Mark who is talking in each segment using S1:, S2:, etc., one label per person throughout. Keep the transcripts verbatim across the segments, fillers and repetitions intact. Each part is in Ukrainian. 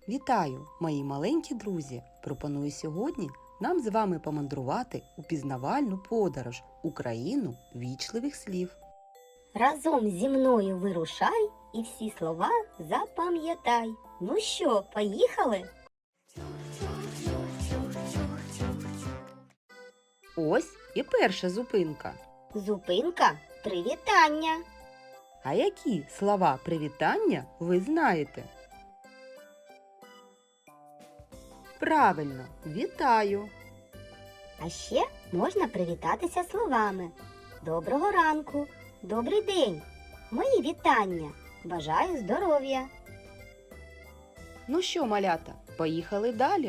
S1: Вітаю, мої маленькі друзі! Пропоную сьогодні нам з вами помандрувати у пізнавальну подорож у країну вічливих слів.
S2: Разом зі мною вирушай і всі слова запам'ятай. Ну що, поїхали?
S1: Ось і перша зупинка.
S2: Зупинка привітання.
S1: А які слова привітання ви знаєте? Правильно, вітаю.
S2: А ще можна привітатися словами: доброго ранку, добрий день, мої вітання, бажаю здоров'я.
S1: Ну що, малята, поїхали далі.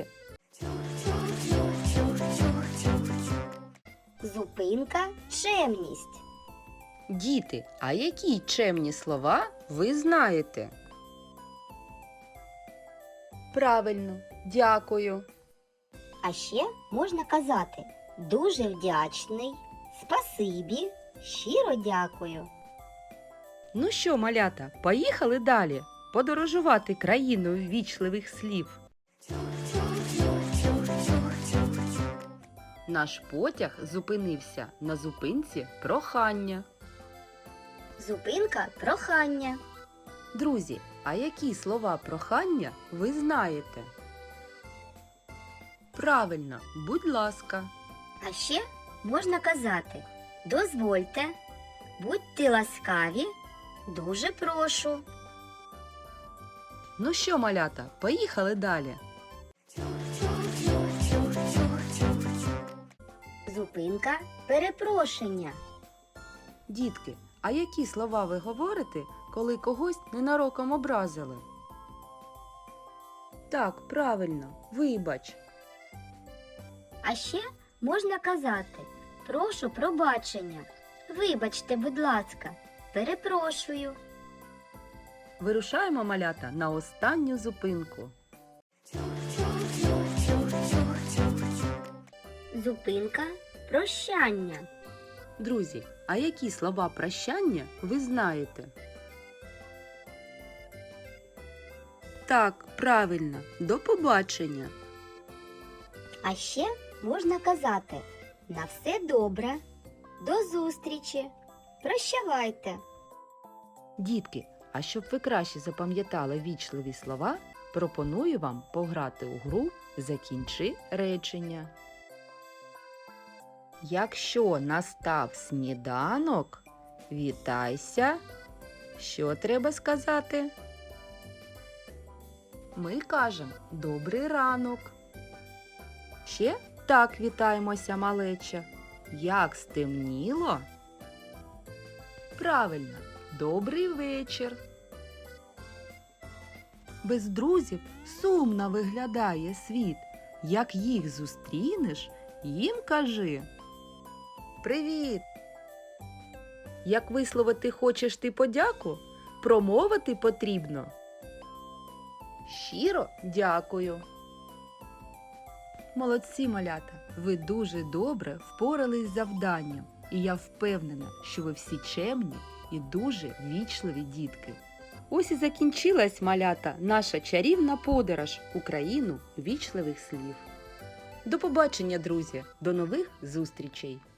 S2: Зупинка чемність.
S1: Діти, а які чемні слова ви знаєте? Правильно, дякую.
S2: А ще можна казати дуже вдячний, спасибі, щиро дякую.
S1: Ну що, малята, поїхали далі подорожувати країною ввічливих слів. Наш потяг зупинився на зупинці прохання.
S2: Зупинка прохання.
S1: Друзі, а які слова прохання ви знаєте? Правильно, будь ласка.
S2: А ще можна казати дозвольте, будьте ласкаві, дуже прошу.
S1: Ну що, малята, поїхали далі.
S2: Зупинка перепрошення.
S1: Дітки, а які слова ви говорите, коли когось ненароком образили? Так, правильно, вибач.
S2: А ще можна казати прошу пробачення, вибачте, будь ласка, перепрошую.
S1: Вирушаємо, малята, на останню зупинку.
S2: Зупинка прощання.
S1: Друзі, а які слова прощання ви знаєте? Так, правильно, до побачення.
S2: А ще можна казати на все добре, до зустрічі, прощавайте.
S1: Дітки, а щоб ви краще запам'ятали вічливі слова, пропоную вам пограти у гру «Закінчи речення». Якщо настав сніданок, вітайся. Що треба сказати? Ми кажемо «Добрий ранок». Ще так вітаємося, малеча. Як стемніло? Правильно, добрий вечір. Без друзів сумно виглядає світ. Як їх зустрінеш, їм кажи «Привіт!». Як висловити хочеш ти подяку, промовити потрібно «Щиро дякую». Молодці, малята! Ви дуже добре впорались з завданням. І я впевнена, що ви всі чемні і дуже вічливі дітки. Ось і закінчилась, малята, наша чарівна подорож у країну вічливих слів. До побачення, друзі! До нових зустрічей!